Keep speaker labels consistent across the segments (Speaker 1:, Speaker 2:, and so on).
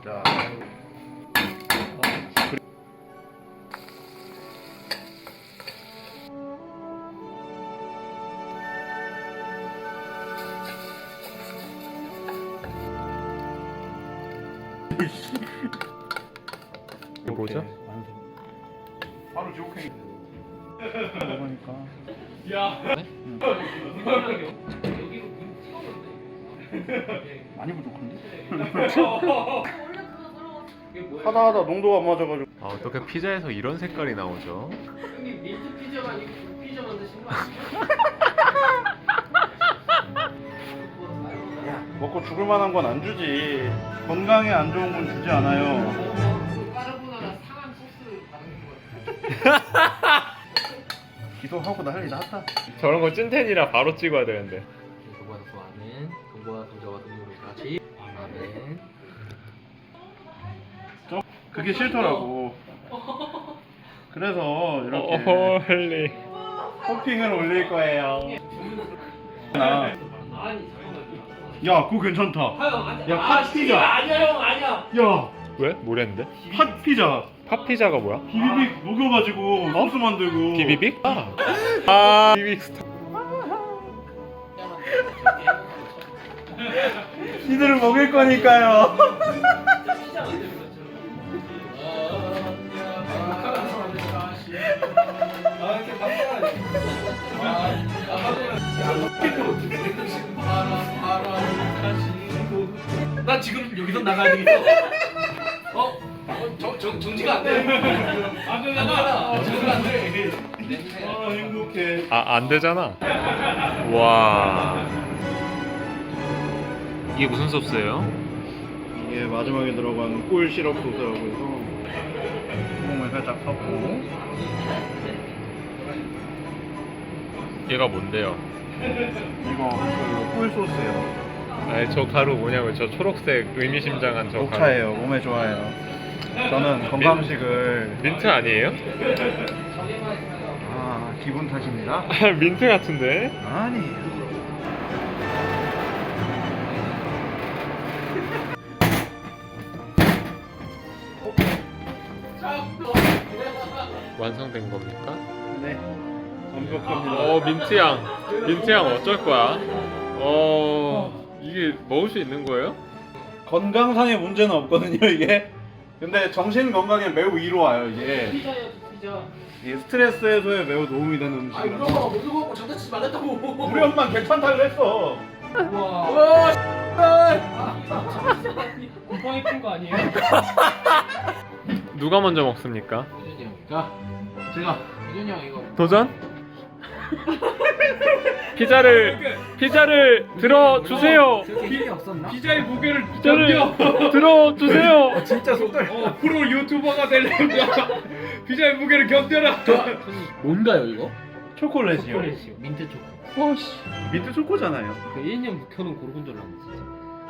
Speaker 1: 자.
Speaker 2: 이거 뭐죠?
Speaker 1: 바로 지옥행.
Speaker 3: 먹으니까. 많이 부족한데? 하다 농도가 안 맞아가지고.
Speaker 2: 아, 어떻게 피자에서 이런 색깔이 나오죠?
Speaker 4: 형님 민트 피자가 아니고 피자 만드신 거 아니에요?
Speaker 3: 먹고 죽을 만한 건 안 주지. 건강에 안 좋은 건 주지 않아요.
Speaker 4: 까르보나라 상한 소스를 바르는 거
Speaker 3: 기도하고 난리 났다.
Speaker 2: 저런 거 찐텐이라 바로 찍어야 되는데.
Speaker 4: 동거와 아멘 동거와 동자와 동료를 같이 아멘
Speaker 3: 그게 싫더라고. 그래서 이렇게
Speaker 2: 홀리.
Speaker 3: 토핑을 올릴 거예요. 나.
Speaker 4: 아니 잠깐만요
Speaker 3: 야, 그거 괜찮다. 야, 팥 피자.
Speaker 4: 아니야 형 아니야
Speaker 3: 야,
Speaker 2: 왜? 뭐랬는데?
Speaker 3: 팥 피자.
Speaker 2: 팥피자가 뭐야?
Speaker 3: 비비빅 녹여가지고 소스 만들고.
Speaker 2: 비비빅? 아, 비비빅 스타.
Speaker 3: 니들을 먹일 거니까요.
Speaker 4: 피자 만드는 것처럼 이렇게 나 지금 여기서 나가야 되겠어. 정지가 안 돼. 정지가 안 돼.
Speaker 3: 아, 행복해.
Speaker 2: 아, 안 되잖아. 와. 이게 무슨 소스예요?
Speaker 3: 이게 마지막에 들어간 꿀 시럽 소스라고 해서 구멍을 살짝 섞고.
Speaker 2: 얘가 뭔데요?
Speaker 3: 이거 꿀 소스예요.
Speaker 2: 아니, 저 가루 뭐냐면 저 초록색 의미심장한 저 가루.
Speaker 3: 녹차예요. 몸에 좋아요. 저는 건강식을.
Speaker 2: 민트 아니에요?
Speaker 3: 아, 기분 탓입니다.
Speaker 2: 민트 같은데?
Speaker 3: 아니에요.
Speaker 2: 완성된 겁니까?
Speaker 3: 네, 완벽합니다.
Speaker 2: 민트향 어쩔 거야? 이게 먹을 수 있는 거예요?
Speaker 3: 건강상의 문제는 없거든요, 이게. 근데 정신 건강에 매우 이로와요, 이게.
Speaker 4: 피자야 피자.
Speaker 3: 이게 스트레스 해소에 매우 도움이 되는 음식이라서.
Speaker 4: 먹는 거 먹고 장난치지 말랬다고.
Speaker 3: 우리 엄마 괜찮다고 했어.
Speaker 4: 와. 곰팡이 핀거 아니에요?
Speaker 2: 누가 먼저 먹습니까?
Speaker 4: 유준이 형. 자, 제가 유준이 형 이거.
Speaker 2: 도전? 피자를 들어주세요.
Speaker 4: 힘이 없었나?
Speaker 1: 피자의 무게를
Speaker 2: 피자를 들어주세요.
Speaker 3: 진짜 속들.
Speaker 1: 프로 유튜버가 되려면 피자의 무게를 견뎌라.
Speaker 4: 뭔가요 이거?
Speaker 3: 초콜릿이요.
Speaker 4: 초콜릿이요. 민트 초코.
Speaker 3: 민트 초코잖아요.
Speaker 4: 그 1년 묵혀놓은 고르곤졸라 진짜.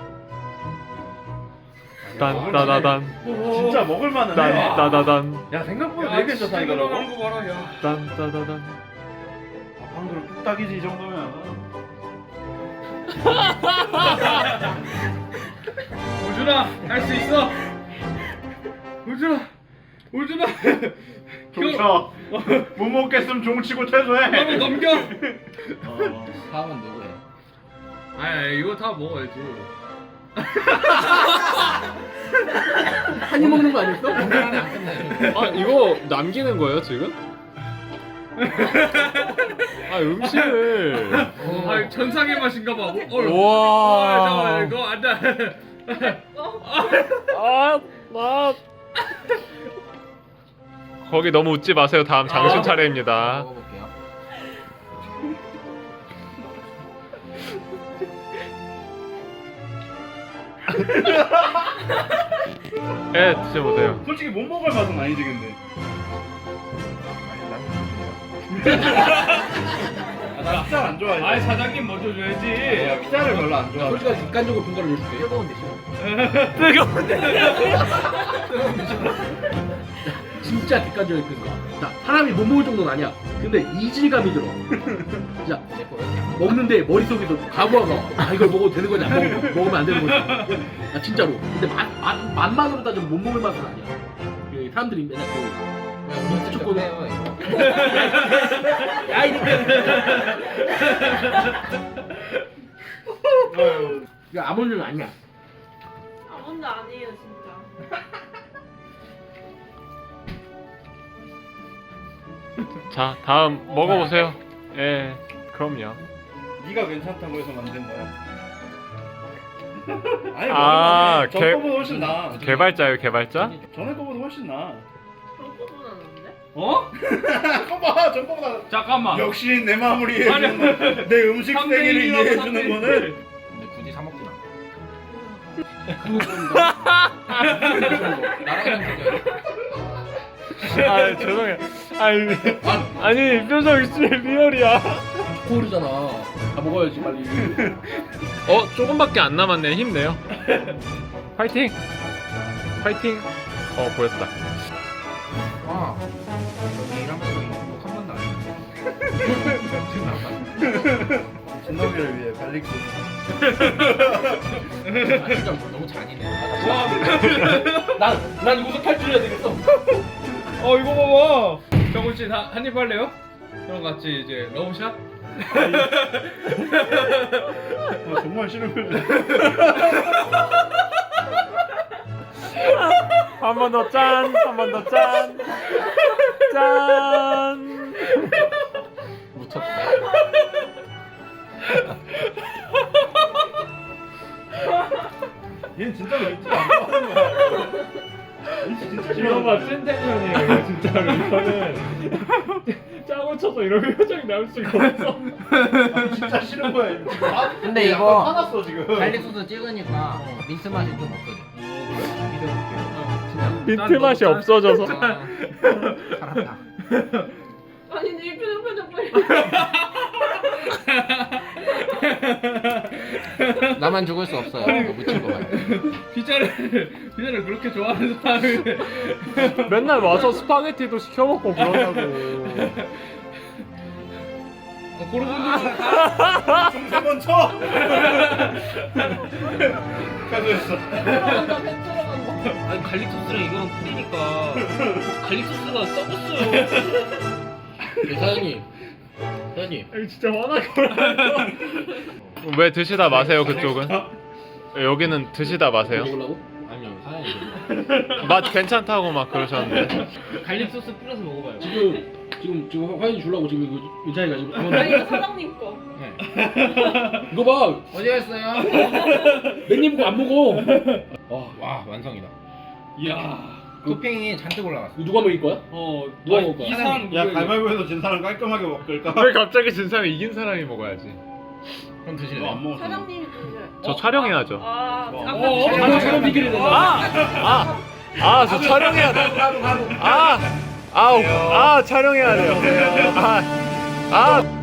Speaker 2: 딴따다단
Speaker 3: 진짜 먹을만은 해.
Speaker 2: 딴따다단
Speaker 3: 야, 생각보다 되게 괜찮다, 이거라고.
Speaker 1: 거 봐라 야.
Speaker 2: 딴따다단.
Speaker 3: 한 그릇 뚝딱이지, 이 정도면.
Speaker 1: 우준아 할 수 있어. 우준아.
Speaker 3: 종쳐. 못 먹겠으면 종치고 퇴소해.
Speaker 1: 한번 넘겨.
Speaker 4: 다음은 누구예요?
Speaker 1: 아니 이거 다 먹어야지.
Speaker 4: 한입 먹는 거 아니었어? 안 끝나요.
Speaker 2: 아, 이거 남기는 거예요 지금? 아, 음식을.
Speaker 1: 아 천상의 맛인가 봐.
Speaker 2: 와.
Speaker 1: 잠깐만 이거 안 돼.
Speaker 2: 거기 너무 웃지 마세요. 다음 장신 차례입니다.
Speaker 4: 먹어볼게요.
Speaker 2: 예, 드셔보세요.
Speaker 3: 솔직히 못 먹을 맛은 아니지, 근데. 나 피자 안 좋아해.
Speaker 1: 아이 사장님 먼저 줘야지.
Speaker 3: 야, 피자를 별로 안 좋아해.
Speaker 4: 솔직히 객관적으로 평가를 해줄게. 뜨거운데 싫어. 진짜 객관적인 평가. 자, 사람이 못 먹을 정도는 아니야. 근데 이질감이 들어. 자, 먹는데 머릿속에서 과부하가 이걸 먹어도 되는 거지 안 먹으면 안 되는 거지. 아 진짜로. 근데 맛만으로 따지면 못 먹을 맛은 아니야. 그 사람들이 맨날 민트 초코. 야 이거. 야 아몬드는 아니야.
Speaker 5: 아몬드 아니에요 진짜.
Speaker 2: 자 다음 먹어보세요. 예 그럼요.
Speaker 3: 네가 괜찮다고 해서 만든 거야. 아니
Speaker 2: 아,
Speaker 3: 전 거보다 훨씬 나.
Speaker 2: 개발자요 개발자?
Speaker 3: 전에 거보다 훨씬 나.
Speaker 5: 그런 거보다 나는데?
Speaker 1: 어?
Speaker 3: 봐봐, 전 거보다.
Speaker 1: 잠깐만.
Speaker 3: 역시 내 마음을 이해해주는 거. 내 음식
Speaker 1: 삼대
Speaker 3: 세계를
Speaker 1: 일이라고
Speaker 3: 이해해주는
Speaker 1: 삼대
Speaker 3: 거는.
Speaker 6: 근데 굳이 사 먹진 않아.
Speaker 4: 그거 좀
Speaker 6: 나랑
Speaker 2: 아 죄송해요. 아니 이 표정 진짜 리얼이야.
Speaker 4: 초코우르잖아. 다 먹어야지 빨리.
Speaker 2: 조금밖에 안 남았네. 힘내요. 파이팅. 파이팅. 보였다.
Speaker 6: 와. 여기 일하면서 이거 한 번도 안 했어. 지금 나빠.
Speaker 3: 진덕이를 위해 갈릭 소스.
Speaker 6: 아 진짜 너무 잔인해.
Speaker 4: 난 이거서 탈출해야 되겠어.
Speaker 1: 이거 봐봐. 정훈 씨 한입 할래요? 그럼 같이 이제 러브샷?
Speaker 3: 정말 싫은 표정.
Speaker 2: 한 번 더 짠. 한 번 더 짠. 짠.
Speaker 6: 묻혔다.
Speaker 3: 얘는 진짜로 맥주를 안 좋아하는 거야. 진짜 싫어.
Speaker 2: 찐텐션이에요 이거 진짜로. 이거는 짜고 쳐서 이런 표정이 나올 수가 없어.
Speaker 3: 진짜 싫은 거야. 얘는 지금.
Speaker 6: 근데
Speaker 3: 약간
Speaker 6: 이거
Speaker 3: 화났어 지금.
Speaker 6: 갈릭 소스 찍으니까 민트 맛이 좀 없어져.
Speaker 2: 민트 맛이 없어져서.
Speaker 6: 살았다.
Speaker 5: 아니 이 표정 빨리.
Speaker 6: 나만 죽을 수 없어요. 이거 묻힌 거 봐요.
Speaker 1: 피자를 그렇게 좋아하는 사람이
Speaker 2: 맨날 와서 스파게티도 시켜 먹고 그러냐고.
Speaker 1: 그런 분들
Speaker 3: 중세번 쳐. 가져했어.
Speaker 4: 아니 갈릭 소스랑 이거랑 뿌리니까 갈릭 소스가 썩었어요. 사장님.
Speaker 2: 이거 진짜 화나게. 왜 드시다 마세요 그쪽은? 여기는 드시다 마세요.
Speaker 4: 먹으려고?
Speaker 6: 아니요 사장님.
Speaker 2: 맛 괜찮다고 막 그러셨는데.
Speaker 1: 갈릭 소스 뿌려서 먹어봐요.
Speaker 4: 지금 화인 주려고 지금 이거 유찬이가 지금
Speaker 5: 아니 이거 사장님 거.
Speaker 4: 이거 봐.
Speaker 6: 어디 갔어요?
Speaker 4: 맨님 거 안 먹어.
Speaker 6: 와 완성이다.
Speaker 1: 이야.
Speaker 6: 토핑이 잔뜩 올라갔어.
Speaker 4: 이거 누가 먹일 거야? 누가 먹을 거야?
Speaker 1: 이 사람
Speaker 3: 야 가위바위보에서 진 사람 깔끔하게 먹을까?
Speaker 2: 왜 갑자기 진 사람이 이긴 사람이 먹어야지?
Speaker 6: 그럼 드실래요?
Speaker 3: 너안 먹었어.
Speaker 5: 사장님이 드세요.
Speaker 2: 저 촬영해야죠.
Speaker 4: 촬영 비키를 내가.
Speaker 2: 저 촬영해야 돼. 촬영해야 돼요.